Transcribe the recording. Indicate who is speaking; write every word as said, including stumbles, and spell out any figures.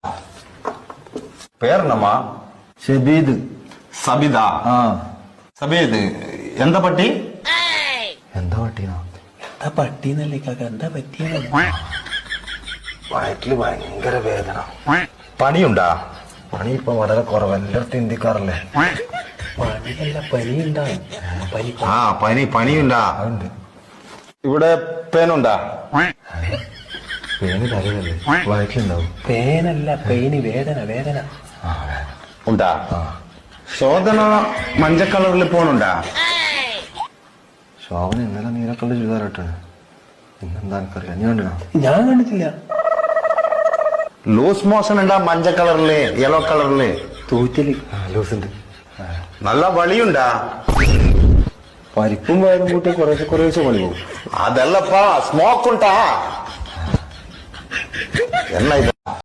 Speaker 1: പേരെന്നമ്മാ?
Speaker 2: ഷബീദ്.
Speaker 1: സബിത.
Speaker 2: ആ
Speaker 1: സബീദ്. എന്താ പട്ടി?
Speaker 2: എന്താ പട്ടിയാ?
Speaker 3: എന്താ പട്ടിന്നല്ലേ കാക്ക, എന്താ പറ്റിയ?
Speaker 2: വയറ്റില് ഭയങ്കര വേദന. പണിയുണ്ടാ? പണി ഇപ്പൊ വളരെ കുറവ്, എല്ലായിടത്തും ഇന്ത്യക്കാറല്ലേ.
Speaker 3: പണിയല്ല, പനി ഉണ്ടാവും. പനി
Speaker 1: ആ പനി പനിയുണ്ടാ?
Speaker 2: അതുണ്ട്.
Speaker 1: ഇവിടെ പേനുണ്ടാ?
Speaker 2: പേന് തലയിലല്ലേ, വയറ്റിലുണ്ടാവും.
Speaker 3: പേനല്ല, പെയിന്, വേദന വേദന.
Speaker 1: ഉണ്ടാ?
Speaker 2: ആ
Speaker 1: ശോധന മഞ്ഞ കളറിൽ പോണുണ്ടാ?
Speaker 2: ശോഭന ഇന്നലെ നീലക്കള്ള ചുരിദാറിട്ടാണ്. ഇന്നെന്താ എനിക്കറിയാം, നീ കണ്ടിനാ?
Speaker 3: ഞാൻ കണ്ടിട്ടില്ല.
Speaker 1: ലൂസ് മോഷൻ ഉണ്ടാ? മഞ്ഞ കളറില്, യെല്ലോ കളറില്
Speaker 3: തൂറ്റല്.
Speaker 2: ലൂസുണ്ട്.
Speaker 1: നല്ല വളിയുണ്ടാ?
Speaker 2: പരിപ്പും വയറും കൂട്ടി കുറേശ്ശെ കുറേശ്ശെ പണി പോകും.
Speaker 1: അതല്ലപ്പാ, സ്മോക്ക് ഉണ്ടാ? എന്നാ ഇത്